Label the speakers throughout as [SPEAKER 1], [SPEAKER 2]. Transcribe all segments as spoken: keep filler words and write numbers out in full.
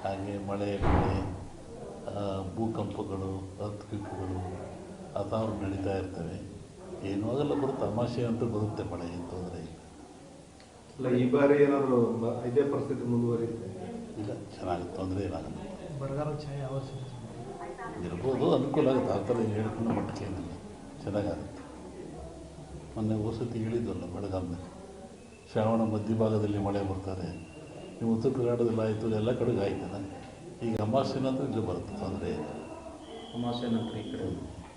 [SPEAKER 1] ಹಾಗೆ ಮಳೆ ಬೆಳೆ ಭೂಕಂಪಗಳು ಅರ್ಥಕ್ವೇಕ್ಗಳು ಅಥಾವ್ರು ನಡೀತಾ ಇರ್ತವೆ. ಏನೂ ಆಗಲ್ಲ, ಬರೋ ತಮಾಷೆ ಅಂತೂ ಬರುತ್ತೆ, ಮಳೆ ಏನು ತೊಂದರೆ ಇಲ್ಲ.
[SPEAKER 2] ಇಲ್ಲ ಈ ಬಾರಿ ಏನಾದರೂ ಇದೇ ಪರಿಸ್ಥಿತಿ ಮುಂದುವರಿಯುತ್ತೆ?
[SPEAKER 1] ಇಲ್ಲ, ಚೆನ್ನಾಗಿ ತೊಂದರೆ ಏನಾಗಲ್ಲ.
[SPEAKER 3] ಬರಗಾಲ ಛಾಯೆ ಅವಶ್ಯ
[SPEAKER 1] ಇರ್ಬೋದು, ಅನುಕೂಲ ಆಗುತ್ತೆ. ಆ ಥರ ಹೇಳ್ಕೊಂಡು ಮಟ್ಟಿಗೆ ಏನಿಲ್ಲ, ಚೆನ್ನಾಗಾಗುತ್ತೆ. ಮೊನ್ನೆ ವಸತಿ ಹೇಳಿದ್ವಲ್ಲ, ಬೆಳಗಾವಿನಲ್ಲಿ ಶ್ರಾವಣ ಮಧ್ಯಭಾಗದಲ್ಲಿ ಮಳೆ ಬರ್ತಾರೆ. ನೀವು ಉತ್ತರ ಕರ್ನಾಟಕದಲ್ಲಿ ಆಯಿತು, ಎಲ್ಲ ಕಡೆಗೆ ಆಯ್ತಲ್ಲ. ಈಗ ಅಮಾವಾಸ್ಯೆ ನಂತರ ಇಲ್ಲಿ ಬರುತ್ತೆ, ತೊಂದರೆ ಇಲ್ಲ.
[SPEAKER 4] ಅಮಾವಾಸ್ಯೆ ನಂತರ ಈ ಕಡೆ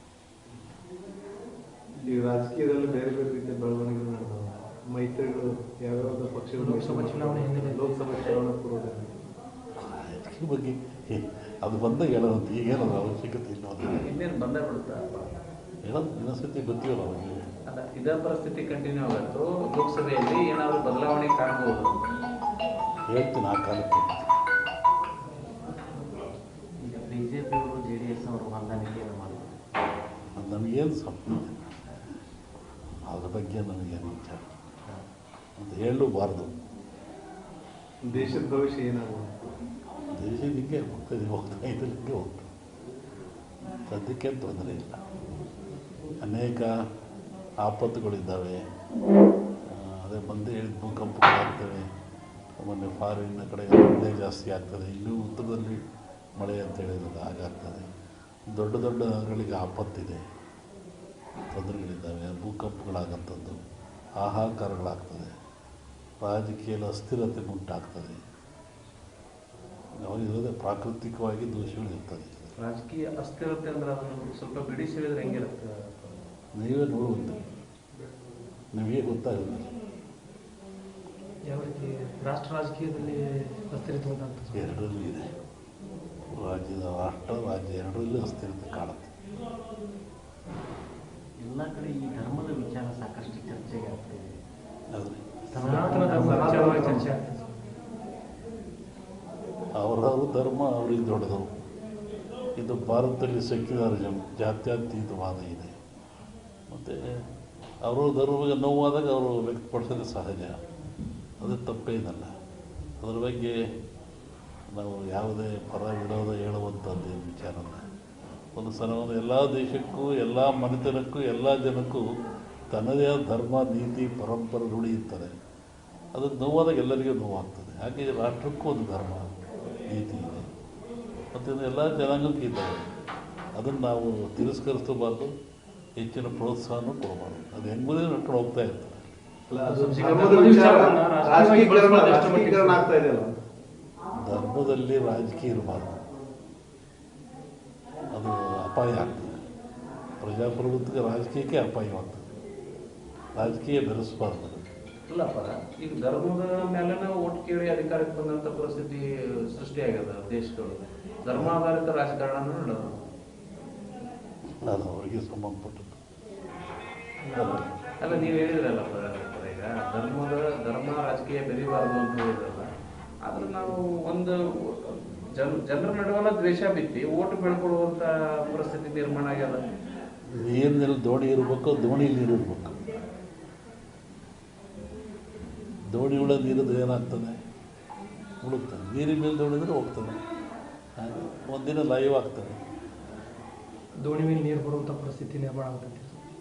[SPEAKER 2] ಈ ರಾಜಕೀಯದಲ್ಲಿ ಬೇರೆ ಬೇರೆ ರೀತಿಯ ಬೆಳವಣಿಗೆಗಳು ನಡೆದವು. ಮೈತ್ರಿಗಳು ಯಾವ್ಯಾವ ಪಕ್ಷಗಳು
[SPEAKER 3] ಲೋಕಸಭಾ ಚುನಾವಣೆ ಹಿನ್ನೆಲೆ
[SPEAKER 2] ಲೋಕಸಭಾ ಚುನಾವಣೆ ಪೂರ್ವದಲ್ಲಿ
[SPEAKER 1] ಈ ಬಗ್ಗೆ ಅದು ಬಂದಾಗ ಹೇಳೋದು, ಈಗೇನೋ ಅವಶ್ಯಕತೆ ಇಲ್ಲ. ಅದು
[SPEAKER 4] ಇನ್ನೇನು ಬಂದೇ ಬಿಡುತ್ತಾ
[SPEAKER 1] ಹೇಳೋದು ಇನ್ನೊಂದ್ಸತಿ ಗೊತ್ತಿಲ್ಲ ಅವಾಗ.
[SPEAKER 4] ಅಲ್ಲ, ಇದೇ ಪರಿಸ್ಥಿತಿ ಕಂಟಿನ್ಯೂ ಆಗುತ್ತೋ ಲೋಕಸಭೆಯಲ್ಲಿ ಏನಾದರೂ ಬದಲಾವಣೆ ಕಾಣ್ಬೋದು?
[SPEAKER 1] ಹೇಳ್ತೀನಿ ಆ ಕಾಲಕ್ಕೆ.
[SPEAKER 5] ಈಗ ಬಿ ಜೆ ಪಿಯವರು ಜೆ ಡಿ ಎಸ್ ಅವರು ಹೊಂದಾಣಿಕೆಯನ್ನು ಮಾಡಿದ್ರು.
[SPEAKER 1] ಅದು ನಮಗೇನು ಸಂಬಂಧ, ಅದ್ರ ಬಗ್ಗೆ ನಮಗೇನು ವಿಚಾರ ಅಂತ ಹೇಳಲೂಬಾರ್ದು.
[SPEAKER 2] ದೇಶದ ಭವಿಷ್ಯ ಏನಾಗುವುದು?
[SPEAKER 1] ದೇಶ ಹಿಂಗೆ ಹೋಗ್ತದೆ, ಹೋಗ್ತಾ ಇದ್ದರೆ ಹಿಂಗೆ ಹೋಗ್ತದೆ. ಸದ್ಯಕ್ಕೆ ತೊಂದರೆ ಇಲ್ಲ. ಅನೇಕ ಆಪತ್ತುಗಳಿದ್ದಾವೆ. ಅದೇ ಬಂದೇ ಹೇಳಿದ ಭೂಕಂಪಗಳಾಗ್ತವೆ. ಮೊನ್ನೆ ಫಾರಿನ್ನ ಕಡೆ ಮಳೆ ಜಾಸ್ತಿ ಆಗ್ತದೆ. ಇನ್ನೂ ಉತ್ತರದಲ್ಲಿ ಮಳೆ ಅಂತ ಹೇಳಿದ್ರೆ ಹಾಗಾಗ್ತದೆ. ದೊಡ್ಡ ದೊಡ್ಡ ನಗರಗಳಿಗೆ ಆಪತ್ತಿದೆ, ತೊಂದರೆಗಳಿದ್ದಾವೆ. ಭೂಕಂಪಗಳಾಗಂಥದ್ದು, ಹಾಹಾಕಾರಗಳಾಗ್ತದೆ. ರಾಜಕೀಯದ ಅಸ್ಥಿರತೆ ಉಂಟಾಗ್ತದೆ. ಇರೋದೇ ಪ್ರಾಕೃತಿಕವಾಗಿ ದೋಷಗಳು ಇರ್ತದೆ.
[SPEAKER 4] ರಾಜಕೀಯ ಅಸ್ಥಿರತೆ ಅಂದ್ರೆ ಅದನ್ನು ಸ್ವಲ್ಪ ಬಿಡಿಸಿ ಹೇಳಿದ್ರೆ ಹೆಂಗಿರುತ್ತೆ?
[SPEAKER 1] ನೀವೇ ನೋಡುವಂತೆ, ನಿಮಗೆ ಗೊತ್ತಾಗುತ್ತೆ.
[SPEAKER 3] ಯಾವ ರೀತಿ ರಾಷ್ಟ್ರ ರಾಜಕೀಯದಲ್ಲಿ ಅಸ್ಥಿರತೆ ಉಂಟಾಗ್ತದೆ?
[SPEAKER 1] ಎರಡರಲ್ಲೂ ಇದೆ. ರಾಜ್ಯದ ರಾಷ್ಟ್ರ ರಾಜ್ಯ ಎರಡರಲ್ಲೂ ಅಸ್ಥಿರತೆ ಕಾಣುತ್ತೆ.
[SPEAKER 5] ಎಲ್ಲ ಕಡೆ ಈ ಧರ್ಮದ ವಿಚಾರ ಸಾಕಷ್ಟು ಚರ್ಚೆಗೆ ಆಗ್ತಿದೆ.
[SPEAKER 1] ಆದರೆ
[SPEAKER 3] ಸನಾತನ ಧರ್ಮ ವಿಚಾರವಾಗಿ ಚರ್ಚೆ ಆಗ್ತದೆ.
[SPEAKER 1] ಅವರವ್ರ ಧರ್ಮ ಅವ್ರಿಗೆ ದೊಡ್ಡದು. ಇದು ಭಾರತದಲ್ಲಿ ಸೆಕ್ಯುಲರಿಸಮ್, ಜಾತ್ಯತೀತವಾದ ಇದೆ. ಮತ್ತು ಅವರ ಧರ್ಮಕ್ಕೆ ನೋವಾದಾಗ ಅವರು ವ್ಯಕ್ತಪಡಿಸೋದು ಸಹಜ, ಅದು ತಪ್ಪೇನಲ್ಲ. ಅದರ ಬಗ್ಗೆ ನಾವು ಯಾವುದೇ ಪರ ವಿರೋಧ ಹೇಳುವಂಥದ್ದು ಏನು ವಿಚಾರಲ್ಲ. ಒಂದು ಸಲ ಒಂದು ಎಲ್ಲ ದೇಶಕ್ಕೂ, ಎಲ್ಲ ಮನೆತನಕ್ಕೂ, ಎಲ್ಲ ಜನಕ್ಕೂ ತನ್ನದೇ ಆದ ಧರ್ಮ, ನೀತಿ, ಪರಂಪರೆ ರೂಢಿ ಇರ್ತಾರೆ. ಅದು ನೋವಾದಾಗ ಎಲ್ಲರಿಗೂ ನೋವಾಗ್ತದೆ. ಹಾಗೆ ರಾಷ್ಟ್ರಕ್ಕೂ ಒಂದು ಧರ್ಮ, ನೀತಿ ಇದೆ. ಮತ್ತು ಎಲ್ಲ ಜನಾಂಗಕ್ಕೆ ಇದ್ದಾವೆ. ಅದನ್ನು ನಾವು ತಿರಸ್ಕರಿಸಬಾರ್ದು, ಹೆಚ್ಚಿನ ಪ್ರೋತ್ಸಾಹನೂ ಕೊಡಬಾರ್ದು. ಅದು ಹೆಂಗುದೇ ನಡ್ಕೊಂಡು ಹೋಗ್ತಾ ಇರ್ತಾರೆ.
[SPEAKER 2] ರಾಜಕೀಕರಣ ಆಗ್ತಾ ಇದೆಯಲ್ಲ,
[SPEAKER 1] ಧರ್ಮದಲ್ಲಿ ರಾಜಕೀಯ ಇರಬಾರ್ದು, ಅದು ಅಪಾಯ ಆಗ್ತದೆ. ಪ್ರಜಾಪ್ರಭುತ್ವಕ್ಕೆ ರಾಜಕೀಯಕ್ಕೆ ಅಪಾಯವಾಗ್ತದೆ. ರಾಜಕೀಯ ಬೆರೆಸಬಾರ್ದು.
[SPEAKER 4] ಇಲ್ಲಪ್ಪ, ಈಗ ಧರ್ಮದ ಮೇಲೆ ಓಟ್ ಕೇಳಿ ಅಧಿಕಾರಕ್ಕೆ ಬಂದಂಥ ಪರಿಸ್ಥಿತಿ ಸೃಷ್ಟಿಯಾಗ್ಯದ ದೇಶಗಳು. ಧರ್ಮಾಧಾರಿತ ರಾಜಕಾರಣ ನಡೆಯೋದು
[SPEAKER 1] ಅದು ಅವರಿಗೆ ಸಂಬಂಧಪಟ್ಟದ್ದು.
[SPEAKER 4] ಅಲ್ಲ, ನೀವು ಹೇಳಿದ್ರಲ್ಲಪ್ಪ ಈಗ ಧರ್ಮದ ಧರ್ಮ ರಾಜಕೀಯ ಬೆರಿಬಾರ್ದು ಅಂತ ಹೇಳಿದ್ರಲ್ಲ. ಆದ್ರೆ ನಾವು ಒಂದು ಜನ ಜನರ ನಡುವಲ್ಲ ದ್ವೇಷ ಬಿತ್ತಿ ಓಟು ಬೆಳ್ಕೊಳ್ಳುವಂಥ ಪರಿಸ್ಥಿತಿ ನಿರ್ಮಾಣ ಆಗ್ಯದ.
[SPEAKER 1] ನೀರಿನಲ್ಲಿ ದೋಣಿ ಇರಬೇಕು, ದೋಣಿ ನೀರು ಇರಬೇಕು. ದೋಣಿ ಉಳ ನೀರಿದ್ರೆ ಏನಾಗ್ತದೆ? ಉಳುಕ್ತದೆ. ನೀರಿನ ಮೇಲೆ ದೋಣಿದ್ರೆ ಹೋಗ್ತದೆ. ಹಾಗೆ ಒಂದಿನ ಲೈವ್ ಆಗ್ತದೆ.
[SPEAKER 3] ದೋಣಿ ಮೇಲೆ ನೀರು ಬರುವಂಥ ಪರಿಸ್ಥಿತಿ ನಿರ್ಮಾಣ ಆಗುತ್ತೆ.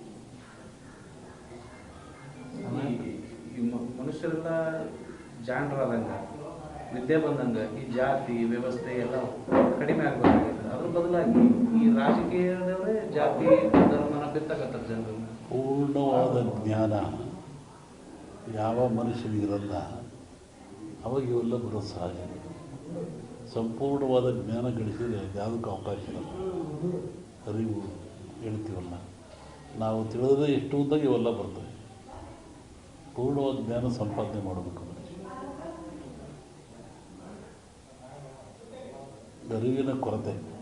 [SPEAKER 4] ಈ ಮನುಷ್ಯರೆಲ್ಲ ಜಾಣರಾದಂಗೆ, ವಿದ್ಯೆ ಬಂದಂಗೆ ಈ ಜಾತಿ ವ್ಯವಸ್ಥೆ ಎಲ್ಲ ಕಡಿಮೆ ಆಗಬೇಕಾಗಿದೆ. ಅದ್ರ ಬದಲಾಗಿ ಈ ರಾಜಕೀಯದವರೇ ಜಾತಿ ಧರ್ಮನ ಬಿತ್ತಕತ್ತಾರೆ ಜನರು.
[SPEAKER 1] ಪೂರ್ಣವಾದ ಜ್ಞಾನ ಯಾವ ಮನುಷ್ಯನಿಗಿರಲ್ಲ, ಅವಾಗ ಇವೆಲ್ಲ ಬರೋದು ಸಹಜ. ಸಂಪೂರ್ಣವಾದ ಜ್ಞಾನ ಗಳಿಸಿದರೆ ಯಾವುದಕ್ಕೂ ಅವಕಾಶ ಇರಲ್ಲ. ಅರಿವು ಹೇಳ್ತೀವಲ್ಲ, ನಾವು ತಿಳಿದ್ರೆ ಎಷ್ಟು ಅಂದಾಗ ಇವೆಲ್ಲ ಬರ್ತವೆ. ಪೂರ್ಣವಾದ ಜ್ಞಾನ ಸಂಪಾದನೆ ಮಾಡಬೇಕು ಮನುಷ್ಯ. ಅರಿವಿನ ಕೊರತೆ